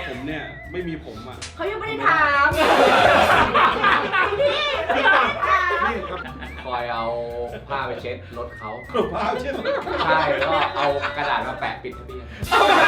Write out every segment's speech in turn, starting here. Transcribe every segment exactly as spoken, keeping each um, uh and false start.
ผมเนี่ยไม่มีผมอ่ะเขายังไม่ได้ถามพี่พี่คอยเอาผ้าไปเช็ดรถเขาผ้าเช็ดใช่แล้วก็เอากระดาษมาแปะปิดทะเบียน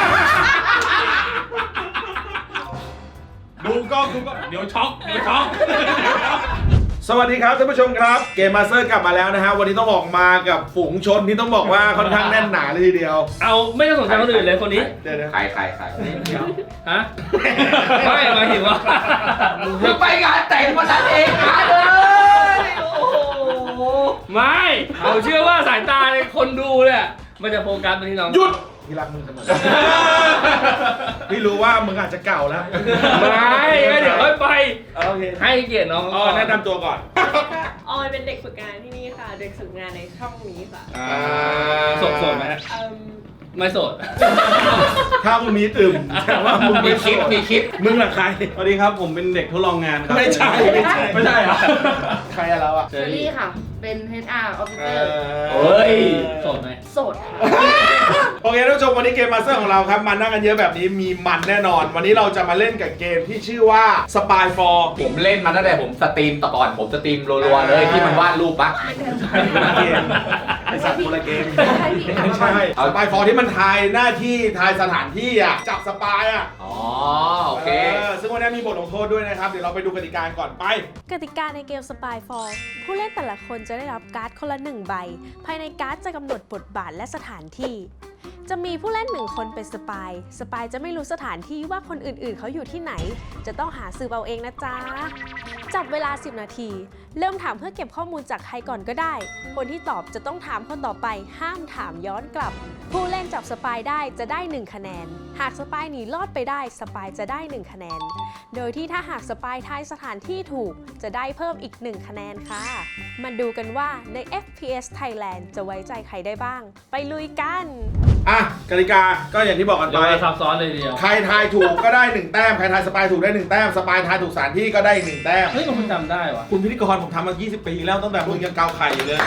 ดูกล้องดูกล้องเดี๋ยวช็อกเดี๋ยวช็อกสวัสดีครับท่านผู้ชมครับเกมมาสเตอร์กลับมาแล้วนะฮะวันนี้ต้องบอกมากับฝูงชนที่ต้องบอกว่าค่อนข้างแน่นหนาเลยทีเดียวเอาไม่ต้องสนใจคนอื่นเลยคนนี้เดี๋ยวใครใครใครฮะไม่หมายถึงว่าคือไปงานแต่งวันนั้นเองมาเลยโอ้โหไม่เราเชื่อว่าสายตาในคนดูเนี่ยมันจะโฟกัสไปที่น้องหยุดพี่รักมึงเสมอพี่รู้ว่ามึงอาจจะเก่าแล้วไม่ไม่เดี๋ยวค่อยไปโอเคให้เกียรติน้องอ๋อแนะนำตัวก่อนออยเป็นเด็กฝึกงานที่นี่ค่ะเด็กฝึกงานในช่องนี้ค่ะโสดโสดไหมฮะเอิ่มไม่โสดถ้ามึงมีตึมแต่ว่ามึงมีไม่คิดมีคิดมึงล่ะใครสวัสดีครับผมเป็นเด็กทดลองงานครับไม่ใช่ไม่ใช่ไม่ใช่เหรอใครอะเราอะเชอรี่ค่ะ เป็น เอช อาร์ Officer เฮ้ยโสดไหมโสดค่ะโอเคท่านผู้ชมวันนี้เกมมาสเตอร์ของเราครับมันนั่งกันเยอะแบบนี้มีมันแน่นอน วันนี้เราจะมาเล่นกับเกมที่ชื่อว่า Spy for ผมเล่นมาตั้งแต่ผมสตรีมต่อก่อนผมสตรีมรัวๆเลยที่มันวาดรูปปะเกมไอสัตว์คนละเกมให้พี่ไม่ใช่สปายฟอร์ที่มันทายหน้าที่ทายสถานที่อ่ะจับสปายอ่ะอ๋อโอเคซึ่งวันนี้มีบทลงโทษด้วยนะครับเดี๋ยวเราไปดูกติกาก่อนไปกติกาในเกม Spyfall ผู้เล่นแต่ละคนจะได้รับการ์ดคนละหนึ่งใบ ภายในการ์ดจะกำหนดบทบาทและสถานที่ จะมีผู้เล่นหนึ่งคนเป็นสปาย สปายจะไม่รู้สถานที่ว่าคนอื่นๆเขาอยู่ที่ไหน จะต้องหาสืบเอาเองนะจ๊ะ จับเวลาสิบนาที เริ่มถามเพื่อเก็บข้อมูลจากใครก่อนก็ได้ คนที่ตอบจะต้องถามคนต่อไป ห้ามถามย้อนกลับ ผู้เล่นจับสปายได้จะได้หนึ่งคะแนน หากสปายหนีรอดไปได้สปายจะได้หนึ่งคะแนน โดยที่ถ้าหากสปายทายสถานที่ถูกจะได้เพิ่มอีกหนึ่งคะแนนค่ะ มาดูกันว่าใน เอฟ พี เอส Thailand จะไว้ใจใครได้บ้าง ไปลุยกันอ่ะกติกาก็อย่างที่บอกกันเดี๋ไปยวซับซ้อนเลยทีเดียวใครทายถูกก็ได้หนึ่งแต้มใครทายสปายถูกได้หนึ่งแต้มสปายทายถูกสถานที่ก็ได้อีกหนึ่งแต้มเฮ้ยคุณจำได้วะคุณพิธีกรผมทำมายี่สิบปีแล้วตั้งแต่มึงยังเกาไข่อยู่เลย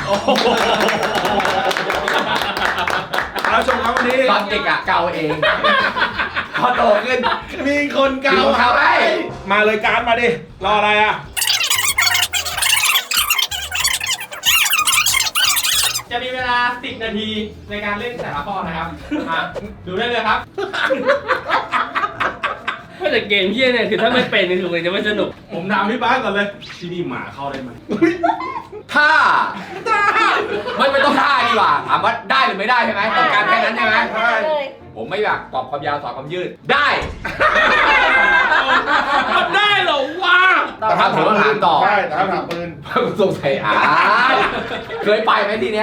เอาชมครับวันนี้ตอนเด็กอะเกาเองพอโตขึ้นมีคนเกามีคนเกาให้มาเลยการมาดิรออะไรอ่ะจะมีเวลาสิบนาทีในการเล่นแต่ละข้อนะครับอ่ะดูได้เลยครับไม่แต่เกมเฮี้ยเนี่ยคือถ้าไม่เป็นนี่คือมันจะไม่สนุกผมถามพี่บ้านก่อนเลย ที่นี่หมาเข้าได้ไหมท่าไม่ไม่ต้องท่าดีกว่าถามว่าได้หรือไม่ได้ใช่ไหมต้องการแค่นั้นใช่ไหมใช่ผมไม่อยากตอบความยาวตอบความยืดได้ทำได้เหรอวะแต่ถ้าผมต้องถามต่อใช่แต่ถ้าถามปืนสงสัยอ่าเคยไปไหมที่เนี้ย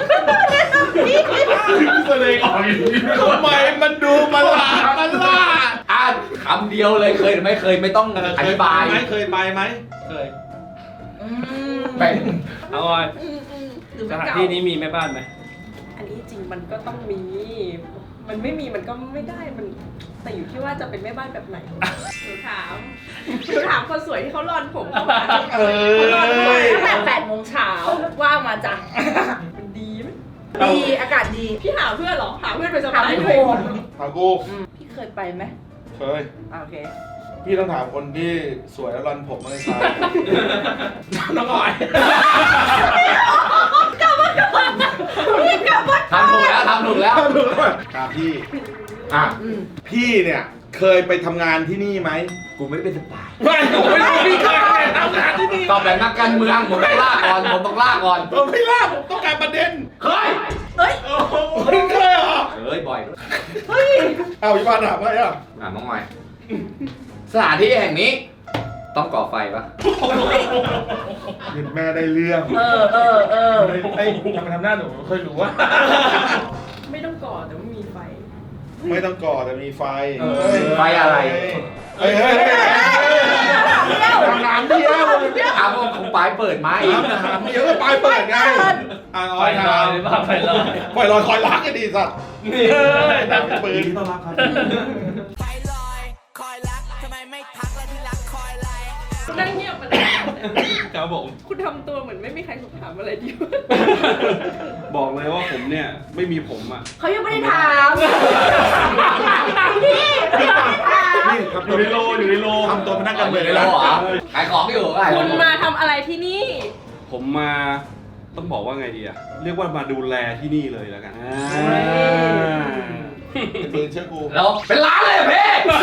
แสดงออกอย่างนี้ทำไมมันดูมันลามันล่าอ่านคำเดียวเลยเคยหรือไม่เคยไม่ต้องอธิบายไหมเคยไปไหมเคยเป็นเอาออยอืมอืมหรือสมันถานเก่าที่นี้มีแม่บ้านไหมอันนี้จริงมันก็ต้องมี มันไม่มีมันก็ไม่ได้มันแต่อยู่ที่ว่าจะเป็นแม่บ้านแบบไหนหนูถามหนูถามคนสวยที่เขารอนผมเข้ามาเอเขารอนผมยตั้งแต่แปดโมงเช้าว่ามาจ้ะมันดีไหมดีอากาศดีพี่หาเพื่อนเหรอหาเพื่อนไปสบายเลยถามกูพี่เคยไปไหมเคยโอเคพี่ต้องถามคนที่สวยแล้วรันผมมาในชายน้องออยพี่กลับมาทำถูกแล้วทำถูกแล้วดูแล้วถามพี่อ่ะพี่เนี่ยเคยไปทำงานที่นี่ไหมกูไม่ได้เป็นสปายไม่ผมไม่รู้พี่เคยทำงานที่นี่ตอบแบบนักการเมืองผมต้องล่าก่อนผมต้องล่าก่อนผมไม่ล่าผมต้องการประเด็นเคยเอ้ยโอ้โหมึงเคยเหรอเคยบ่อยด้วยเฮ้ยเอาพี่บานถามว่าอ่ะอ่ะน้องหน่อยสถานที่แห่งนี้ ต้องก่อไฟปะเห็นแม่ได้เรื่องเออเออเออไอ้ทำไมทำหน้าหนูเคยรู้ว่าไม่ต้องก่อแต่ว่ามีไฟไม่ต้องก่อแต่มีไฟไฟอะไรเฮ้ยเฮ้ยเฮ้ยถามถามเดียวอ้าวผมปลายเปิดไหมถามถามเดียวก็ปลายเปิดไงอ่ะไฟอ้อยลถาอยมหรือเปล่าไฟลอยปล่อยลอยคอยรักกันดีสัตว์นี่ถามปืนต้อนรับครับไฟลอยคอยรักทำไมไม่ทักและที่รักคอยไลนั่งเงียบมันครับผมคุณทำตัวเหมือนไม่มีใครถามอะไรดิวบอกเลยว่าผมเนี่ยไม่มีผมอ่ะเขายังไม่ได้ถามพี่พี่ยังไม่ได้ถามนี่ทำอตัวยู่ในโลอยู่ในโลทำตัวเป็นนักการเมืองในโลเหรอขายของอยู่ขายขคุองณมาทำอะไรที่นี่ผมมาต้องบอกว่าไงดีอะเรียกว่ามาดูแลที่นี่เลยแล้วกันเป็นปืนเชื่อกูแล้วเป็นร้านเลยอะพี่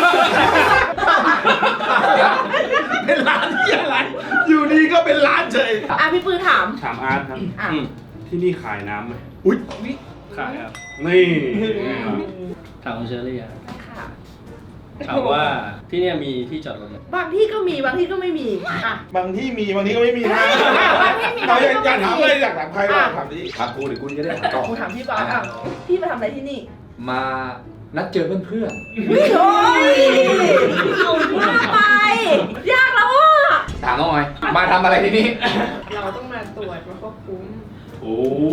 เป็นร้านที่อะไร อยู่ดีก็เป็นร้านเฉยอ่ะพี่ปืนถามถามอาร์ตครับอ่ะอืมที่นี่ขายน้ำไหมอุ้ยขายครับนี่ถามคุณเชอรี่อะค่ะถามว่าที่เนี่ยมีที่จอดรถไหมบางที่ก็มีบางที่ก็ไม่มีอ่ะบางที่มีบางที่ก็ไม่มีนะบางที่มีเราอยากบางที่ก็ไม่มีอยากถามอะไรอยากถามใครบ้างอ่ะถามดิถามกูหรือกูจะได้ถามต่อกูถามพี่ป๊าอ่ะพี่มาทำอะไรที่นี่มานัดเจอเพื่อนวิ่งโอ้ยเอาว่าไป ยากแล้วอ่ะๆถามน้องออยมาทำอะไรที่นี่เราต้องมาตรวจมาควบคุมโอ้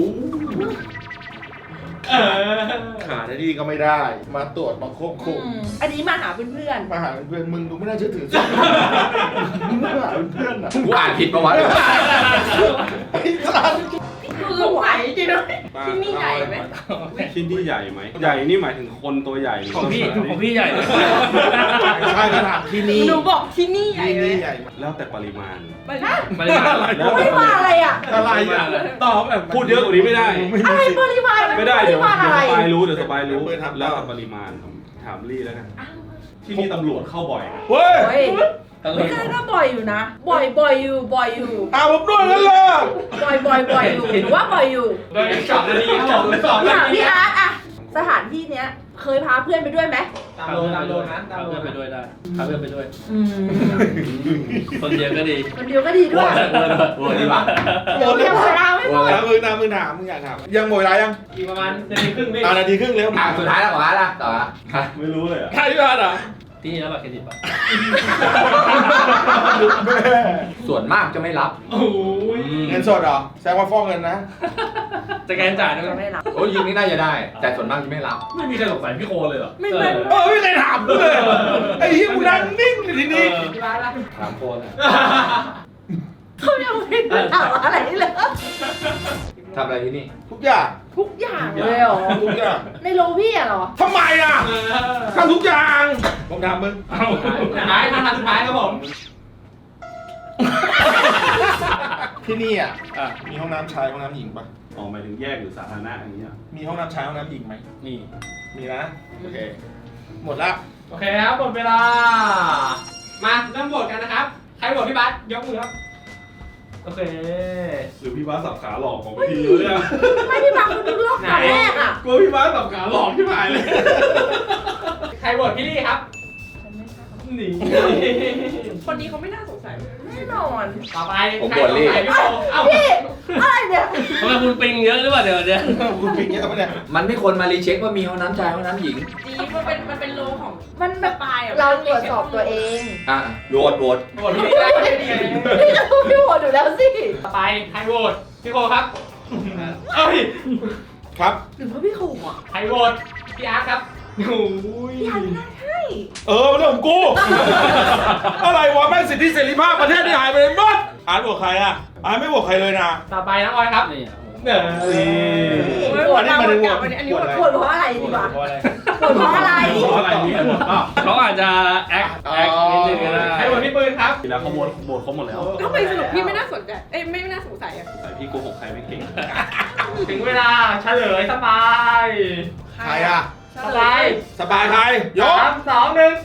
เออขาหน้าที่ก็ไม่ได้ มาตรวจมาควบคุมอันนี้มาหาเพื่อนมาหาเพื่อนมึงดูไม่น่าเชื่อถือสิมึงมาหาเพื่อนอ่ะกูอ่านผิดปะวะไอ้สัสๆคือไหวจริงนะที่นี่ใหญ่ไหมที่นี่ใหญ่ไหมใหญ่นี่หมายถึงคนตัวใหญ่หรืของพี่สถานของที่พี่ใหญ่เลยใช่ก็ถามที่นี่หนูบอกที่นี่ใหญ่ที่ไหมนี่ใหญ่ไหมแล้วแต่ปริมาณไปนะปริมาณแล้วแต่ไม่ว่าอะไรอ่ะอะไรอ่ะตอบแบบพูดเยอะกว่านี้ไม่ได้อะไรปริมาณไม่ได้เดี๋ยวปริมาณเดี๋ยวอะไรสปายรู้เดี๋ยวสปายรู้เปิดทำแล้วแต่ปริมาณถามลี่แล้วกัน ที่นี่ตำรวจเข้าบ่อยไหมเว้ยเฮ้ยไม่ได้ก็บ่อยอยู่นะ บ่อยบ่อยอยู่บ่อยอยู่อาผมด้วยกันเลยบ่อยบ่อยบ่อยอยู่หรือว่าบ่อยอยู่โดยสองนาทีครับผมสองนาถามทีพี่อาร์ตอะสถานที่เนี้ยเคยพาเพื่อนไปด้วยไหมตามโลตามโลนะตามพาโลเพื่อนไปด้วยได้พาเพื่อนไปด้วยอืมคนเดียวก็ดีคนเดียวก็ดีด้วยโวยดีกว่าเดี๋ยวเดี๋ยวเวลาไม่หมดถามมึงนะมึงถามมึงอยากถามยังหมดเวลายังอีกประมาณนาทีครึ่งไม่อ่านาทีครึ่งเร็วอ่ะสุดท้ายแล้วขอละต่อละไม่รู้เลยอะใครพี่อาร์ตอ่ะที่นี่รับบัตรเครดิตปะแม่ส่วนมากจะไม่รับโอ้ยเงินสดเหรอแสดงว่าฟ้องเงินนะสแกนจ่ายด้วยจะไหมไม่รับโอ้ยยิงนี่น่าจะได้ แต่ส่วนมากจะไม่รับไม่มีใครสงสัยพี่โคเลยเหรอไม่ไม่เออไม่เคยถามกูเลยไอ้เหี้ยกูนั่งนิ่งอยู่ที่นี่ที่ร้านละถามโคเลยเขายังไม่ได้ถามอะไรเลยทำอะไรที่นี่ทุกอย่างทุกอย่างเลยเหรอทุกอย่างในโรงพี่อะเหรอทำไมอ่ะทำทุกอย่างผมถามมึงสุดท้ายมาทางสุดท้ายครับผมที่นี่อ่ะอ่ะมีห้องน้ำชายห้องน้ำหญิงปะออกหมายถึงแยกหรือสาธารณะอย่างเงี้ยมีห้องน้ำชายห้องน้ำหญิงไหมนี่มีนะโอเคหมดละโอเคครับหมดเวลา มาเริ่มโหวตกันนะครับ ใครโหวตพี่บัสยกมือครับ โอเคหรือพี่บ้าสสับขาหลอกของพี่เลยอะไม่พี่บังคุณดูรอบตอนแรกอะกลัวพี่บ้าสสับขาหลอกที่หายเลยใครโหวตพี่ลี่ครับหนีคนนี้เขาไม่น่าสงสัยแน่นอนต่อไปผมใครโหวตลี่สงสัยพี่โบเอ้าพี่อะไรเนี่ยทำไมคุณปิงเยอะหรือเปล่าเดี๋ยวเดี๋ยวคุณปิงเงี้ยปะเนี่ยมันไม่ควรมารีเช็คว่ามีห้องน้ำชายห้องน้ำหญิงจีมันเป็นมันเป็นโลของมันแบบปลายอะเราตรวจสอบตัวเองอ่ะโหวตโหวตโหวตพี่ลี่ได้ไม่ดีเลยพี่จะพูดพี่หัวอยู่แล้วสิต่อไปใครโหวตพี่โคครับ เอ้ยครับหรือว่าพี่ขู่อะใครโหวตพี่อาร์ตครับโอ้ยพี่อันไม่น่าใช่เออเรื่องของกู อะไรวะแม่งสิทธิเสรีภาพประเทศที่หายไปเลยหมดอ่านบวกใครอ่ะอ่านไม่บวกใครเลยนะต่อไปน้องออยครับนี่เนอนี่โหวตอันนี้มามาโหวในตบกวลักบอันนี้อันนี้บวกโหวตเพราะอะไรดีกว่าโหวตเพราะอะไรเพราะอะไรมีหมดเปล่าเขาอาจจะแอคแอคนิดนึงก็ได้ใครโหวตพี่ปืนครับทีแล้วเขาโหวตโหวตเขาหมดแล้วทำไมสรุปพี่ไม่น่าสนใจ เอ้ยไม่น่าสงสัยอะแต่พี่โกหกใครไม่เก่งถึงเวลาเฉลยสบายใครอ่ะสบายสบายใครยกสามสองหนึ่ง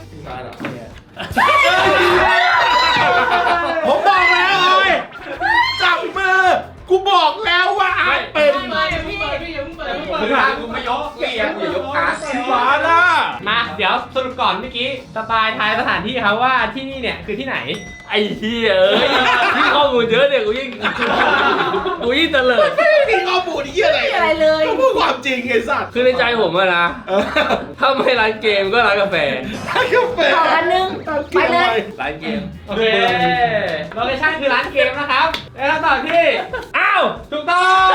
ผมบอกแล้วเลยจับมือ กูบอกแล้วว่าอาร์ตเป็นไม่พี่เปิดพี่อย่าเพิ่งเปิดพี่เปิดมึงอ่ะกูไม่ยกเกียร์กูอย่ายกขาร์ดหวานอ่ะมาเดี๋ยวสรุปก่อนเมื่อกี้สปายทายสถานที่ครับว่าที่นี่เนี่ยคือที่ไหนไอ้เหี้ยเอ้ยที่ข้อมูลเยอะเนี่ยกูยิ่งกูยิ่งเตลิดไม่มีข้อมูลที่อะไรไม่มีอะไรเลยก็พูดความจริงไอ้สัตว์คือในใจผมอะนะเออถ้าไม่ร้านเกมก็ร้านกาแฟให้กาแฟต่ออันนึงไปเลยร้านเกมโอเคโลเคชั่นคือร้านเกมนะครับแล้วคำตอบที่อ้าวถูกต้อง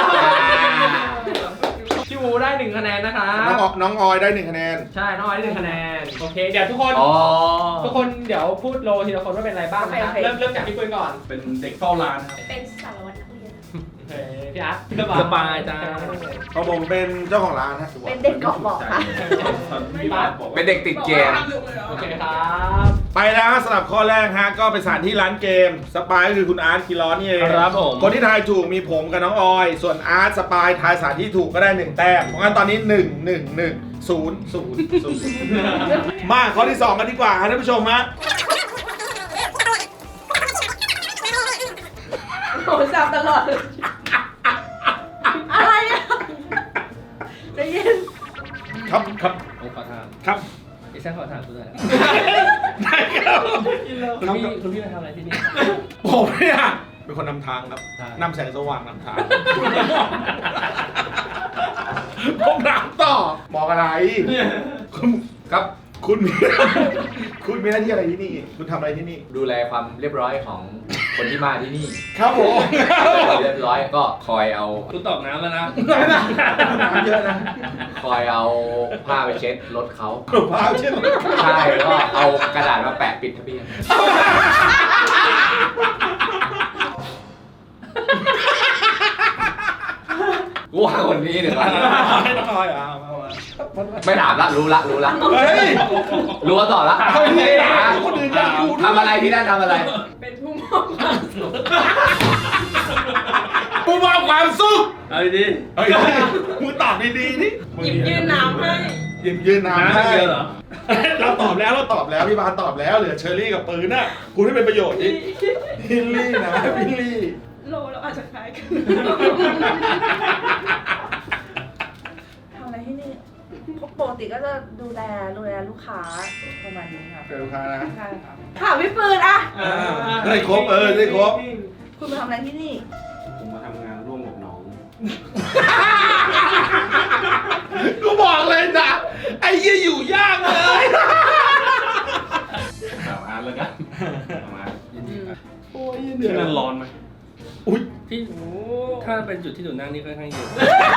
พี่วูได้หนึ่งคะแนนนะครับน้องอน้องออยได้หนึ่งคะแนนใช่น้องออยได้หนึ่งคะแนนโอเคเดี๋ยวทุกคนอ๋อทุกคนเดี๋ยวพูดโลทีละคนว่าเป็นอะไรบ้างนะครับโอเคโอเคเริ่มเริ่มจากพี่ปืนก่อนเป็นเด็กเฝ้าร้านครับเป็นสารวัตรนักเรียนเคพี่อาร์ตสปายจ้าของผมเป็นเจ้าของร้านฮะเป็นเด็กเกาะเบอกค่ะพี่บาสเป็นเด็กติดเกมโอเคครับไปแล้วฮะสำหรับข้อแรกฮะก็เป็นสถานที่ร้านเกมสปายก็คือคุณอาร์ตคิร้อนนี่เองครับผมคนที่ทายถูกมีผมกับน้องออย ส่วนอาร์ตสปายทายสถานที่ถูกก็ได้หนึ่งแต้มเพราะงั้นตอนนี้หนึ่ง หนึ่ง หนึ่ง ศูนย์ ศูนย์ ศูนย์มาข้อที่สองกันดีกว่าฮะท่านผู้ชมฮะโอ้แซวตลอดเลยอะไรอ่ะใจะเย็นครับครับผมขอถามครับไอ้แซ่ขอถามคุณหน่อยได้ครับคุณพี่คุณพี่มาทำอะไรที่นี่ผมเนี่ยเป็นคนนำทางครับใช่นำแสงสว่างนำทางผมถามต่อบอกอะไรคุณครับคุณมี คุณมีหน้าที่อะไรที่นี่ คุณทำอะไรที่นี่ดูแลความเรียบร้อยของคนที่มาที่นี่ครับผมเรียบร้อยก็คอยเอาคุณตอกน้ำแล้วนะน้ำเยอะนะคอยเอาผ้าไปเช็ดรถเขาพาเช่นใช่แล้วก็เอากระดาษมาแปะปิดทะเบียนกูว่าคนนี้เดี๋ยวก่อนไม่ต้องคอยอ่ะมามาไม่ถามละรู้ละรู้ละเฮ้ยรู้ต่อละเอาอย่างนี้นะคนอื่นอยากดูด้วยทำอะไรที่นั่นทำอะไรเป็นผู้มอบความสุขผู้มอบความสุขเอาดีเฮ้ยมึงตอบดีๆนี่หยิบยืนน้ำให้หยิบยืนๆน้ำน้ำให้เยอะเหรอเราตอบแล้วเราตอบแล้วพี่บาสตอบแล้วเหลือเชอรี่กับปืนน่ะคุณให้เป็นประโยชน์ดิบิลลี่นะบิลลี่โลเราอาจจะคล้ายกันทำอะไรที่นี่ปกติก็จะดูแลดูแลลูกค้าประมาณนี้ค่ะเป็นลูกค้านะใช่ค่ะถามพี่ปืนอะได้ครบเออได้ครบคุณมาทำอะไรที่นี่ผมมาทำงานร่วมกับน้องกูบอกเลยนะไอ้เหี้ยอยู่ยากเลยถามอาร์ตแล้วกันถามอาร์ตโอ้ยที่นั่นร้อนไหมอุ้ยที่ถ้าเป็นจุดที่หนูนั่งนี่ค่อนข้างเย็น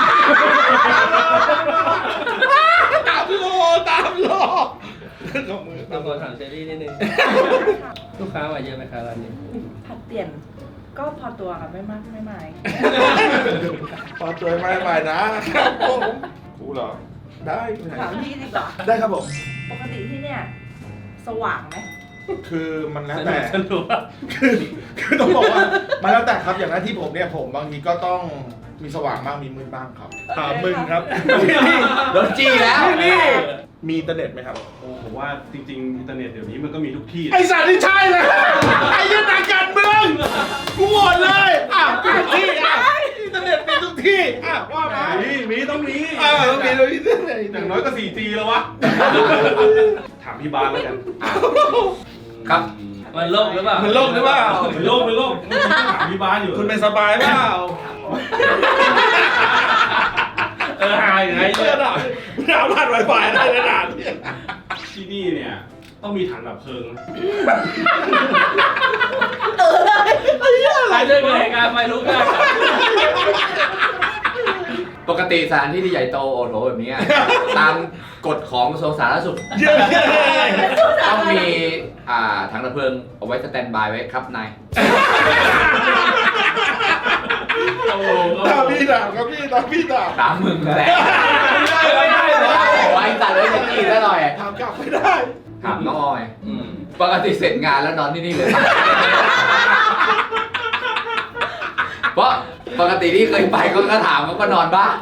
ตามโลตามโลกับมือต้องขอถามเจอรี่นิดนึง ลูกค้ามาเยอะไหมคะร้านนี้ผัดเปลี่ยนก็พอตัวค่ะไม่มากไม่มายพอตัวไม่ไปนะครับผมกูเหรอได้ถามพี่ดีกว่าได้ครับผมปกติที่เนี่ยสว่างไหมคือมันแล้วสนุแต่กสนุกคือคือต้องบอกว่ามันแล้วแต่ครับอย่างหน้าที่ผมเนี่ยผมบางทีก็ต้องมีสว่างบ้างมีมืดบ้างครับถามมึงครับที่นี่โดนจี้แล้วที่นี่มีอินเทอร์เน็ตไหมครับโอ้ผมว่าจริงๆ อินเทอร์เน็ตเดี๋ยวนี้มันก็มีทุกที่ไอสัตว์ที่ใช่เลยไอ้ยันนักการเมืองกูโหวตเลยอ่ะมีทุกที่อ่ะอินเทอร์เน็ตมีทุกที่อ่ะว่ามามีมีต้องมีเออต้องมีเลยอินเทอร์เน็ตอย่างน้อยก็ โฟร์จี แล้ววะ ถามพี่บาสแล้วกันครับมันโลกหรือเปล่ามันโลกหรือเปล่าเป็นโลกเป็นโลกเมื่อกี้ถามพี่บาสอยู่คุณเป็นสบายเปล่าเออหายอยู่ไงเพื่อนอ่ะมึงเอาผ่านไวไฟอะไรขนาดนี้ที่นี่เนี่ย ต้องมีถังดับเพลิงนะหายเรื่องเหตุการณ์ไฟลุกได้ปกติสถานที่ที่ใหญ่โตโอโถแบบนี้อะตามกฎของกระทรวงสาธารณสุขเยอะต้องมีอ่าถังดับเพลิงเอาไว้สแตนบายไว้ครับนายโอ้โหตามพี่ด่าครับพี่ตามพี่ด่าตามมึงแหละไม่ได้ไม่ได้ไว้ตัดเลยจะจี้ซะหน่อยถามกลับไม่ได้ถามน้องออยอืมปกติเสร็จงานแล้วนอนที่นี่เลย เพราะปกติที่เคยไปก็ก็ถามเขาก็นอนบ้าน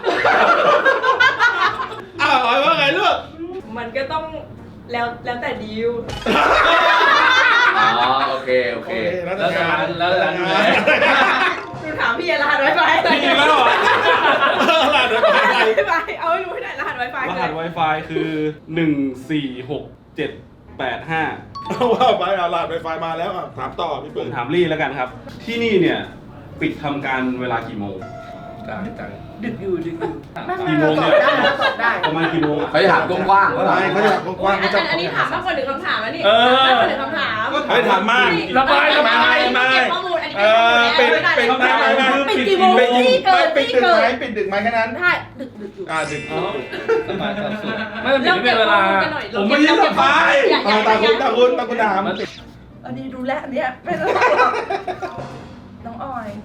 อ้าวเอาว่าไงลูกมันก็ต้องแล้วแล้วแต่ดีลอ๋อโอเคโอเคแล้วแล้วร้านแล้วร้านดูแลดูถามพี่รหัสไวไฟมีแล้วเหรอหลานเดี๋ยวรไปหัสไปไวไฟเอาให้รู้ให้ได้รหัสไวไฟรคือหัส Wi-Fi คือ หนึ่ง สี่ หก เจ็ด แปด ห้าเอาว่าไปเอาหลานไวไฟมาแล้วอ่ะถามต่อพี่ผเปิ้มลถามลี่แล้วกันครับ ที่นี่เนี่ย ปิดทำการเวลากี่โมงกลางจังดึกอยู่ดึกอยู่ไม่ไม่กี่โมเรางตอเนี่บยได้เราตอบได้ประมาณกี่โมงอะเขาจะถามกว้างๆว่าไม่เขาจะถามกว้างๆเขาจะอันนี้ถามมากกว่าหนึ่งคำถามแล้วนี่เออมากกว่าหนึ่งคำถามให้ถามมากระบายระบายไม่เก็บข้อมูลอันนี้เออปิดปิดไม่ไม่ไม่ปิดกี่โมงปิดที่เกิดปิดที่ดึกเกิไหมดปิดดึกไหมแค่นั้นใช่ดึกดึกอยู่อ่าดึกอ๋อสบายความสุขไม่มันถึงไม่เป็นเวลาผมไม่ได้สบายอย่าอย่าตาคุณตาคุณตาคุณถามมันติดอันนี้ดูแลอันเนี้ยไม่ต้องน้องออย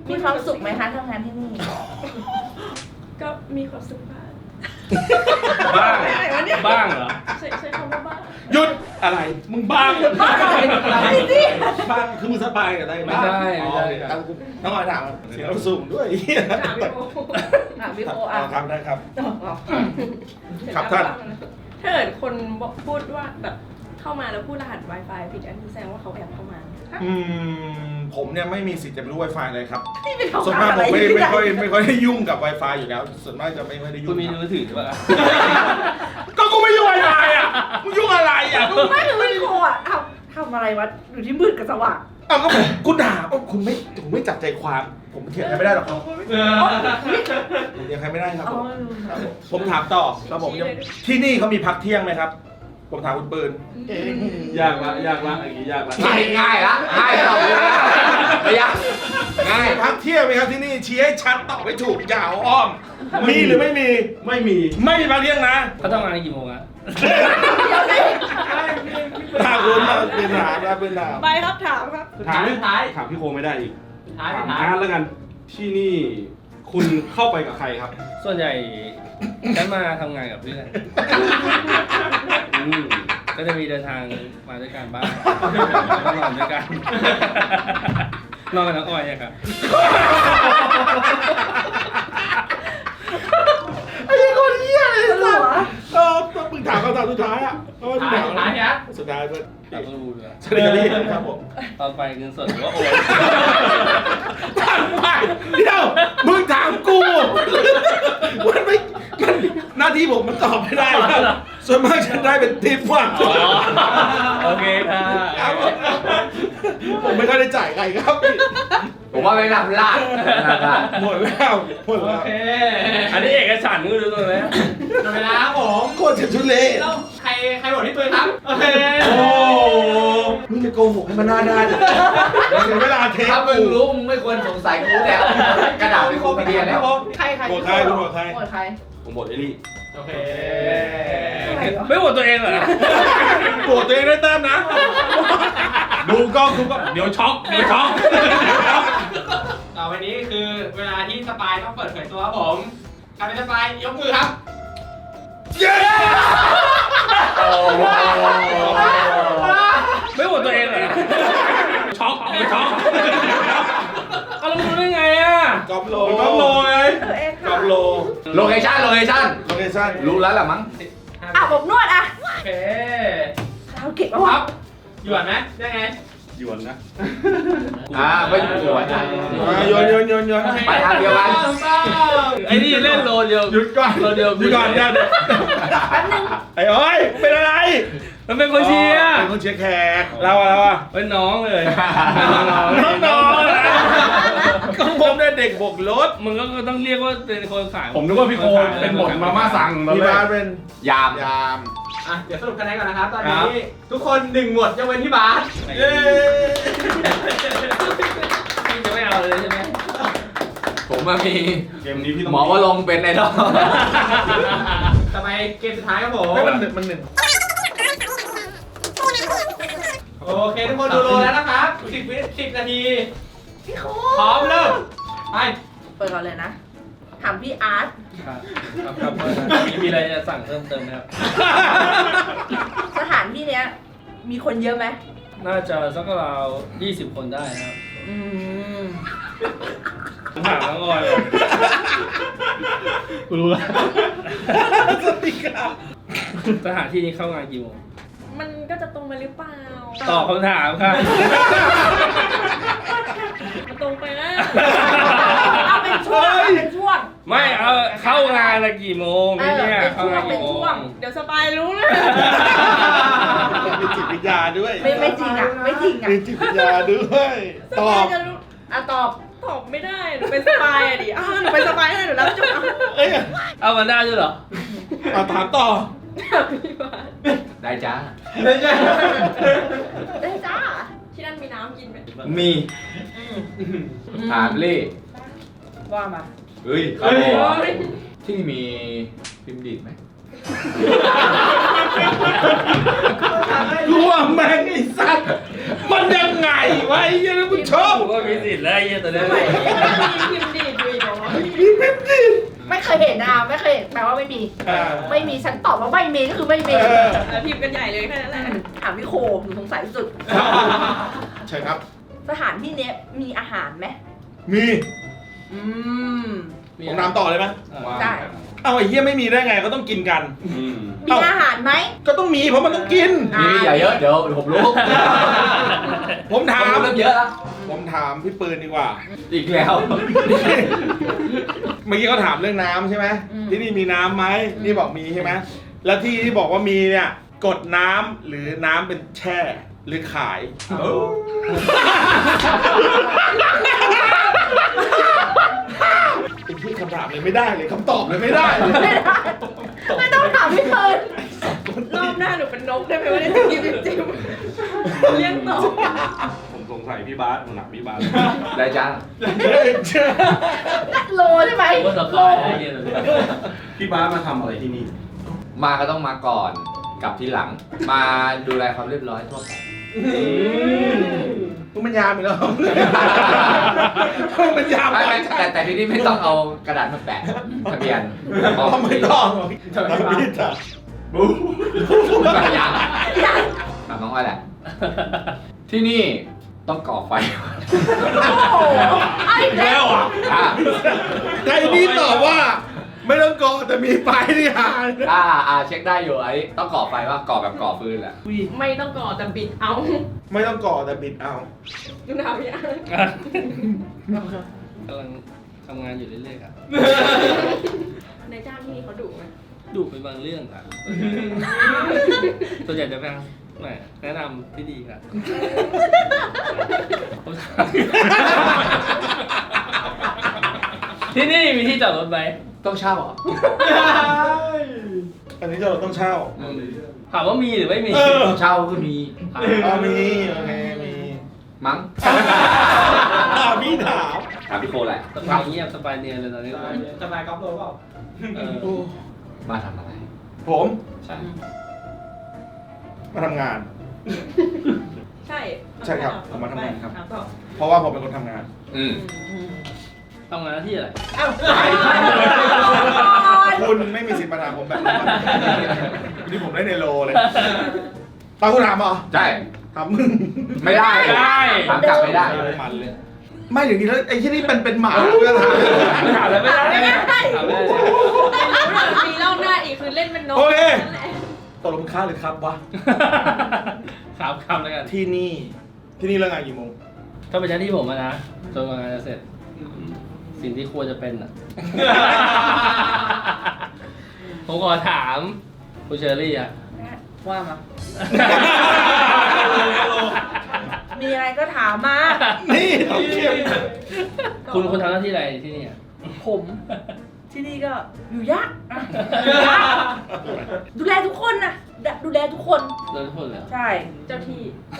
มีความสุขไหมคะทำงานที่นี่ก็มีความสุขบ้างบ้างบ้างเหรอใช้ใช้คำว่าบ้างหยุดอะไร มึงบ้างบ้างอะไรสิบ้างคือมึงสบายกับอะไรไม่ใช่ไม่ใช่อ๋อน้องออยถามเสียงเราสูงด้วยถามพี่โออ่ะพี่โออ่าอ่ะครับได้ครับอ๋อครับท่านถ้าเกิดคนบอกพูดว่าแบบเข้ามาแล้วพูดรหัส Wi-Fi ผิดอันนี้แสดงว่าเขาแอบเข้ามาอืมผมเนี่ยไม่มีสิทธิ์จะไปรู้ Wi-Fi เลยครับนี่เป็นส่วนมากผมไม่ไม่ค่อยไม่ค่อยได้ยุ่งกับ Wi-Fi อยู่แล้ว ส่วนมากจะไม่ค่อยได้ยุ่คุงณมีครับมือถือหรือเปล่าก็กูไม่ยุ่ง Wi-Fi อ่ะมึงยุ่งอะไรอ่ะไม่คือพี่โออ่ะทำทำอะไรวะอยู่ที่มืดกับสว่างเอาก็ผมคุณด่าเอ้าคุณไม่คุณไม่จับใจความ ผมเถียงใครไม่ได้หรอกครับเออผมเถียงใครไม่ได้ครับอ๋ผอมครับผมผมถามต่อครับผมที่นี่เขามีพักเที่ยงไหมครับ ผมถามคุณปืนยากละยากละอย่างงี้ยากละง่ายง่ายละง่ายเราไม่ยากง่ายมีพักเที่ยงไหมครับที่นี่ชี้ให้ชัดตอบไม่ถูกอย่าเอาอ้อม มีหรือไม่มีไม่มีไม่มีพักเที่ยงนะเขาทำงานกี่โมงอะถามคุณมาเป็นถามนะเป็นถามไปครับถามครับถามสุดท้ายถามพี่โคไม่ได้อีกสุดท้ายถาสุมดท้ายอาร์ตแล้วกัน ที่นี่คุณเข้าไปกับใครครับส่วนใหญ่ฉันมาทำงานกับเพื่อนอืมก็จะมีเดินทางมาด้วยกันบ้างแล้วก็นอนด้วยกัน นอนกับน้องออยอะครับไอ้คนเหี้ยเลยเหรสัอสเออมึงถามคำถามสุดท้ายอ่ะเออสุดท้ายสุดท้ายเนี่ยสุดท้ายเพื่อนแต่ก็รู้ด้วยสวัสดีครับพี่ครับผมตอนไปเงินสดหรือว่าโอนถามไปเดี๋ยวมึงถามกูมันไม่มันหน้าที่ผมมันตอบไม่ได้ครับส่วนมากฉันได้เป็นทิปว่ะอ๋อโอเคค่ะครับผมผมไม่ค่อยได้จ่ายใครครับผมว่าไม่นำลาดไม่นำลาดหมดแล้วหมดโอแล้วเคอันนี้เอกฉันท์มึงดูตรงไหนหมดเวลาครับผมโคตรจะทุเรศแล้วใครใครบอกที่ปืนครับ โอเคโอ้มึงจะโกหกให้มันหน้าด้านเสียเวลาเทปถ้ามึงรู้มึงไม่ควรสงสัยกูแล้วกระดาษไปโคไปเรียนแล้วใครใครโหวตใครคุณโหวตใครโหวตใครผมบอกเอลี่โอเคไม่โหวตตัวเองเหรอโหวตตัวเองได้แต้มนะ ดูกล้องดูกล้องเดี๋ยวช็อกเดี๋ยวช็อกต่อไปนี้คือเวลาที่สปายต้องเปิดเผยตัวครับผมใครเป็นสปายยกมือครับเย้ไม่โหวตตัวเองเหรอ ช็อกไม่ช็อกเอาแล้วมึงรู้ได้ไงอ่ะกอบโลกอบโลไงตัวเองกค่ะอบโลโลเคชั่นโลเคชั่นโลเคชั่นรู้แล้วแหละมั้งอ่ะผมนวดอ่ะโอเคเราเก็บเอาคไว้รับหยวนไหมได้ไงหยวนนะอ่าไม่หยวนนะอ่ะโยนโยนโยนโยนไปทางเดียวกันถูกต้องไอ้นี่เล่นโลเดียวหยุดก่อนโลเดียวหยุดก่อนอย่าแป๊บนึงไอ้อ้อยเป็นอะไรมันเป็นคนเชียร์เป็นคนเชียร์แขกเราอะเราอะเป็นน้องเลยเป็นน้องน้องๆนะก็ผมเนี่ยเด็กบกรถมึงก็ต้องเรียกว่าเป็นคนขายผมนึกว่าพี่โคเป็นบทมาม่าสั่งตอนพี่แรบาก สเป็นยามยามอ่ะเดี๋ยวสรุปคะแนนก่อนนะครับ ตอนนี้ทุกคนหนึ่งหมดยกเว้นพี่บาสเย้พี่จะไม่เอาเลยใช่ไหมผมมามีเกมนี้พี่ต้องหมอว่าลงเป็นไอดอลต่อไปเกมสุดท้ายครับผมไม่มันหนึ่งมันหนึ่งโอเคทุกคนดูโลแล้วนะครับสิบวิสิบนาทีพี่โคพร้อมเริ่มไปเปิดก่อนเลยนะ ถามพี่อาร์ตครับครับครับมีมีอะไรจะสั่งเพิ่มเติมไหมครับสถานที่เนี้ย มีคนเยอะไหมน่าจะสักราวยี่สิบคนได้นะครับอืมผมถามน้องออยเลยกูรู้แล้วสวัสดีครับสถานที่นี้เข้างานกี่โมงมันก็จะตรงไปหรือเปล่าตอบคำถามค่ะมันตรงไปนะเอาเป็นช่วงเอาเป็นช่วงไม่เอาเข้างานละกี่โมงนี่เนี่ยเออเข้างานกี่โมเป็นช่วงงเดี๋ยวสปายรู้นะมีจิตวิทยาด้วยไม่ไม่จริงอ่ะ ไม่จริงอ่ะมีจิตวิทยาด้วยสตอปายบจะรู้อ่ะตอบตอบไม่ได้ หนูเป็นสปายอะดิอ้าวหนูเป็นสปายให้หนูรับจุดเอาเอ้ยเอามาได้ด้วยเหรอเอาถามต่อพี่บาสได้จ้าไม่ใช่ได้จ้าที่นั่นมีน้ำกินไหมมี ถามเล่ว่ามาเฮ้ยเฮ้ยที่นี่มีพิมพ์ดีดไหมรู้ว่าแม่งไอ้สัตว์มันยังไงไว้ยังท่านผู้ชมกูก็มีสิทธิ์แล้วไอ้เหี้ยตัวเนี้ยพิมพ์ดีดอยู่อีกเหรอมีเพ็มดิไม่เคยเห็นนะไม่เคยเห็นแปลว่าไม่มีอ่าไม่มีฉันตอบว่าไม่มีก็คือไม่มีเออแล้วพิมพ์กันใหญ่เลยแค่นั้นแหละถามพี่โคหนูสงสัยที่สุดใช่ครับสถานที่เนี้ยมีอาหารไหมมีอืมผมถามต่อเลยไหมได้เอาไอ้เหี้ยไม่มีได้ไงก็ต้องกินกันอืมมีอาหารไหมก็ต้องมีเพราะมันต้องกินมีอย่าเยอะเดี๋ยวผมรู้ผมถามเริ่มเยอะแล้วผมถามพี่ปืนดีกว่าอีกแล้วเมื่อกี้เขาถามเรื่องน้ำใช่ไหมที่นี่มีน้ำไหมนี่บอกมีใช่ไหมแล้วที่ที่บอกว่ามีเนี่ยกดน้ำหรือน้ำเป็นแช่หรือขายเป็นที่คำถามเลยไม่ได้เลยคำตอบเลยไม่ได้เลยไม่ได้ไม่ต้องถามพี่เพิร์นรอบหน้าหนูเป็นนกได้ไหมว่าได้จะกินจิ้มๆเลี้ยงต่อผมสงสัยพี่บาสผมหนักพี่บาสได้จ้าโลใช่ไหมกูก็สโลบายไอ้เหี้ยตัวเนี้ยพี่บาสมาทำอะไรที่นี่มาก็ต้องมาก่อนกลับทีหลัง มาดูแลความเรียบร้อยทั่วไปมึงเป็นยามอีกแล้วมึงเป็นยามไม่ไม่แต่แต่ที่นี่ไม่ต้องเอากระดาษมาแปะทะเบียนอ๋อไม่ต้องทำพิษอ่ะยังถามน้องอ้อยแหละ ที่นี่ต้องก่อไฟโอ้โหไอ้แล้วแล้วอ่ะอ่ะใครนี่ตอบว่า ไม่ต้องกอแต่มีไฟที่หาอ่าอ่าเช็คได้อยู่ไอ้ต้องก่อไฟว่าก่อแบบก่อฟืนแหละไม่ต้องก่อแต่บิดเอาไม่ต้องกอแต่บิดเอาดูหนาวยังกำลังทำงานอยู่เรื่อยๆครับในจ้างที่นี่เขาดุไหมดูเป็นบางเรื่องครับส่วนใหญ่จะเป็นแหมแนะนำที่ดีครับผมถามที่นี่มีที่จอดรถไหมต้องเช่าเหรออันนี้เราต้องเช่าถามว่ามีหรือไม่มีเออเช่าก็มีเอามีโอเคมีมั้งอ่าพี่ถามถามพี่โคแหละสบายเงียบสบายเนียนเลยตอนนี้จะมากอล์ฟโลเปล่าเออโอ้มาทำอะไรผมใช่มาทำงานใช่ใช่ครับผมมาทำงานครับถามต่อเพราะว่าผมเป็นคนทำงานอืมทำงานหน้าที่อะไรคุณไม่มีสิทธิ์มาถามผมแบบนี้นี่ผมได้ในโลเลยตาคุณถามเหรอใช่ถามมึงไม่ได้ไม่ได้ถามกลับไม่ได้มันเลย ไม่อย่างนี้แล้วไอ้ที่นี่เป็นเป็นหมากูจะถามถามแล้วไม่ได้ไม่ได้ถามไม่ได้มีรอบหน้าอีกคือเล่นเป็นนกโอเคนั่นแหละตกลงค่าหรือครับวะถามคำแล้วกันที่นี่ที่นี่เลิกงานกี่โมงถ้าเป็นหน้าที่ผมอะนะจนกว่างานจะเสร็จ สิ่งที่ควรจะเป็นอ่ะ ผมขอถามคุณเชอรี่อ่ะว่ามา มีอะไรก็ถามมานี่ต้องเทียบคุณคุณทำหน้าที่อะไรที่นี่อ่ะผมที่นี่ก็อยู่ยากอ่ะดูแลทุกคนนะดูแลทุกคนโดยทุกคนเลยเหรอใช่เจ้าที่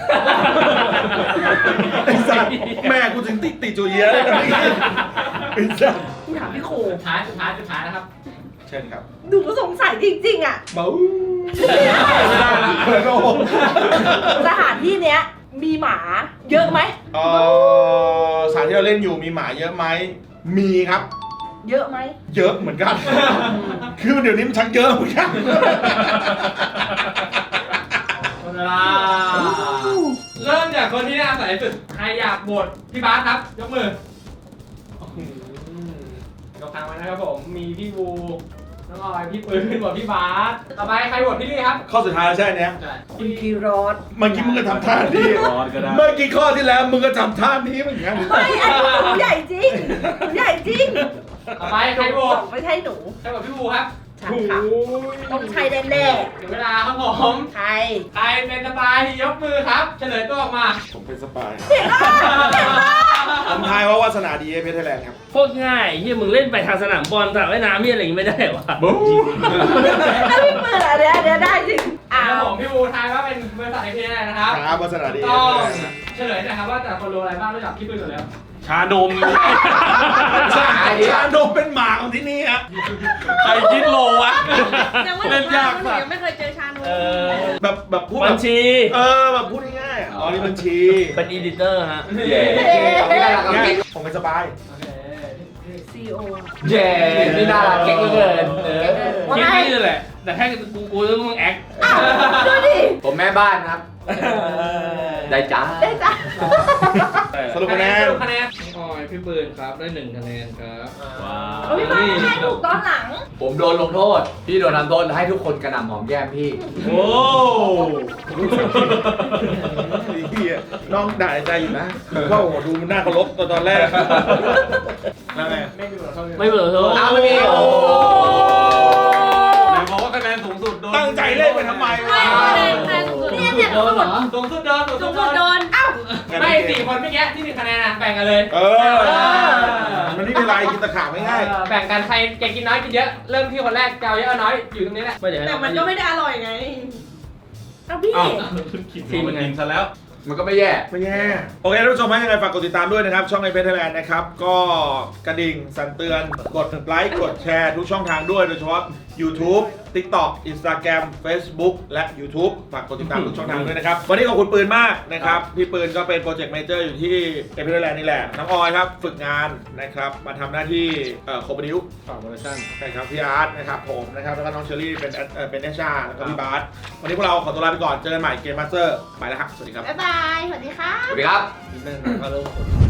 ไอ้สัตว์แม่กูถึงติดติดจูเยียเลยนะไอ้สัตว์กูถามพี่โคสุดท้ายสุดท้ายสุดท้ายนะครับเชิญครับหนูก็สงสัยจริงๆอ่ะเบ้าไม่ได้เลยโอ้สถานที่เนี้ย มีหมาเยอะไหมเอ่อสถานที่เราเล่นอยู่มีหมาเยอะไหมมีครับเยอะไหมเยอะเหมือนกัน คือเดี๋ยวนี้มันชักเยอะเหมือนกันหมดเวลาเริ่มจากคนที่น่าใส่สุด ใครอยากโหวตพี่บาสครับ ยกมือยกทางไว้นะครับผม มีพี่บูน้องออย พี่ปืนโหวตพี่บาสต่อไปใครโหวตพี่ลี่ครับข้อสุดท้ายแล้วใช่ไหมเนี้ยคุณคีรอดเมื่อกี้มึงก็ทำท่านี้ร้อนก็ได้เมื่อกี้ข้อที่แล้วมึงก็ทำท่านี้เหมือนกันไม่อันนี้หนูใหญ่จริงหนูใหญ่จริงต่อไปใครโหวตไม่ใช่หนูใครโหวตพี่บูครับใช่ค่ะ ต้องใช่แน่เดี๋ยวเวลาครับผมๆใครใครเป็นสปายยกมือครับ เฉลยตัวออกมาผมเป็นสปายเห็นป่ะเห็นป่ะผมทายว่าวาสนาดีเอเพชรไทยแลนด์ครับโคตรง่ายเฮียมึงเล่นไปทางสนามบอลสระว่ายน้ำมีอะไรอย่างงี้ไม่ได้วะแล้วพี่ปืนอ่ะเดี๋ยวเดี๋ยวได้จริงอ้าครับวผมพี่บูทายว่าเป็นบริษัทไอพีอะไรนะครับครับวาสนาดีเอต้องเพชรไทยแลนด์นะเฉลยนะครับว่าแต่ละคนรู้อะไรบ้างรู้จักพี่ปืนอยู่แล้วชานมชาชาโดมเป็นหมาของที่นี่ฮะใครคิดโลวะแต่ว่าหนูเล่นยากหนูสัตว์ยังไม่เคยเจอชาโนเออแบบแบบพูดบัแบญบชีเออแบบพูดง่ายๆอ่ะอ๋อนี่บัญชีเป็นอีดิเตอร์ฮะเย้นี่น่ารักกับเนี่เก๊ยกผมเป็นสบายซีโอเย้นี่น่ารักเก๊กเหลือเกินเออคิดนี่แหละ แต่ถ้ากูกูต้องมึงแอคดูดิผมแม่บ้านครับ ได้จ้าได้จ้ะสรุปคะแนนสรุปคะแนนออยพี่ปืนครับได้หนึ่งคะแนนครับว้าโอ้ยมาให้ถูกตอนหลังผมโดนลงโทษ พี่โดนทำโทษให้ทุกคนกระหน่ำหอมแก้มพี่โอ้ยเหี้ยน้องด่าใจอยู่นะว่าโอ้โหดูมันน่าเคารพตอนตอนแรกแล้วไงไม่ดูหรอเขาไม่เปิดโทษเอาไม่มีโอ้ไหนบอกว่าคะแนนสูงสุดโดนตั้งใจเล่นไปทำไมวะเนี่ยเนี่ยโดนเหรอสูงสุดเดินสูงจุสุกดโดเดินนเอ้าไม่สี่คนเมื่อกี้ที่หนึ่งคะแนนนะแบ่งกันเลยเออ มันไม่มีอะไรกินตะขาบง่ายเออแบ่งกันใครแกกินน้อยกินเยอะ เริ่มที่คนแรกเกาเยอะเอาน้อยอยู่ตรงนี้แหละไม่เดี๋ยวให้แต่เรามันก็ไม่ได้อร่อยไงเอาพี่อ้าวทีมมันไงกินซะแล้วมันก็ไม่แย่ๆไม่แย่โอเคท่านผู้ชมฮะยังไงฝากกดติดตามด้วยนะครับ ช่องไอเพจไทยแลนด์นะครับ ก็กระดิ่งสั่นเตือน กดไลค์ กดแชร์ทุกช่องทางด้วย โดยเฉพาะ YouTube TikTok Instagram Facebook และ YouTube ฝากกดติดตามทุกช่องทางด้วยนะครับ วันนี้ขอบคุณปืนมากนะครับ พี่ปืนก็เป็นโปรเจกต์ a มเจอร์อยู่ที่ไอเพจไทยแลนด์นี่แหละ น้องออยครับ ฝึกงานนะครับ มาทำหน้าที่โคบดิวฝากโปรโมชั่นใช่ครับพี่อาร์ตนะครับผมนะครับแล้วก็น้องเชอรี่เป็นเอ่อเป็นเนชาแล้วก็พี่บาสวันนี้พวกเราขอตัวลาไปก่อนเจอกันใหม่เกมมาสเตอร์ไปแล้วครับสวัสดีครับบ๊ายบาย สวัสดีค่ะสวัสดีครับนิดนึงนะก็เริ่ม